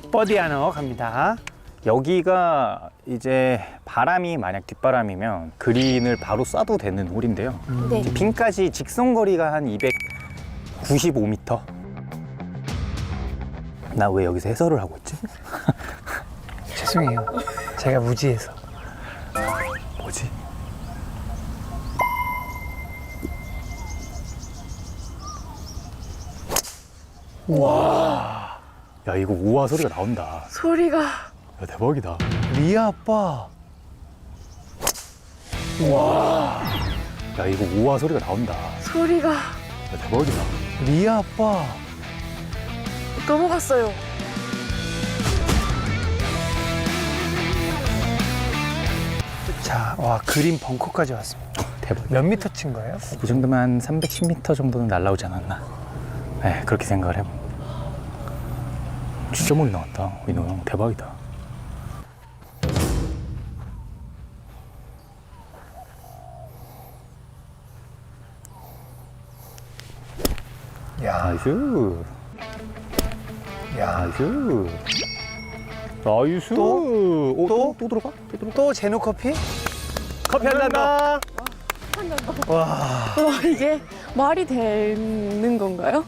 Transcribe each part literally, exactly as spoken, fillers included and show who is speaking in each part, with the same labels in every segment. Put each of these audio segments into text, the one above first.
Speaker 1: 버디 하나 갑니다.
Speaker 2: 여기가 이제 바람이 만약 뒷바람이면 그린을 바로 쏴도 되는 홀인데요.
Speaker 3: 네.
Speaker 2: 이제 핀까지 직선 거리가 한 이백구십오 미터. 나 왜 여기서 해설을 하고 있지?
Speaker 1: 죄송해요. 제가 무지해서.
Speaker 2: 뭐지? 우와. 야, 이거 우와 소리가 나온다.
Speaker 3: 소리가.
Speaker 2: 야, 대박이다.
Speaker 1: 리아 아빠.
Speaker 2: 야, 이거 우와 소리가 나온다.
Speaker 3: 소리가.
Speaker 2: 야, 대박이다.
Speaker 1: 리아 아빠.
Speaker 3: 넘어갔어요.
Speaker 1: 자, 와 그린 벙커까지 왔습니다.
Speaker 2: 대박.
Speaker 1: 몇 미터 친 거예요?
Speaker 2: 이 정도면 한 삼백십 미터 정도는 날라오지 않았나. 네, 그렇게 생각을 해봅니다. 진짜 멀리 나왔다. 민호 형 대박이다.
Speaker 1: 야,
Speaker 2: 나이스.
Speaker 1: 야,
Speaker 2: 나이스. 나이스.
Speaker 1: 또?
Speaker 2: 오,
Speaker 1: 또?
Speaker 2: 또? 또 들어가? 또 들어가?
Speaker 1: 또 제노 커피?
Speaker 2: 커피 한 잔 더.
Speaker 1: 와,
Speaker 3: 와, 이게 말이 되는 건가요?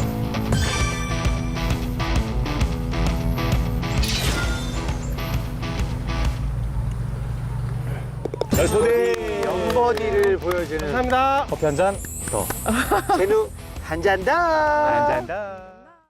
Speaker 2: 나이스.
Speaker 1: 영버디를 보여주는
Speaker 2: 감사합니다. 커피 한 잔 더.
Speaker 1: 제노 한 잔다.
Speaker 2: 한 잔 더.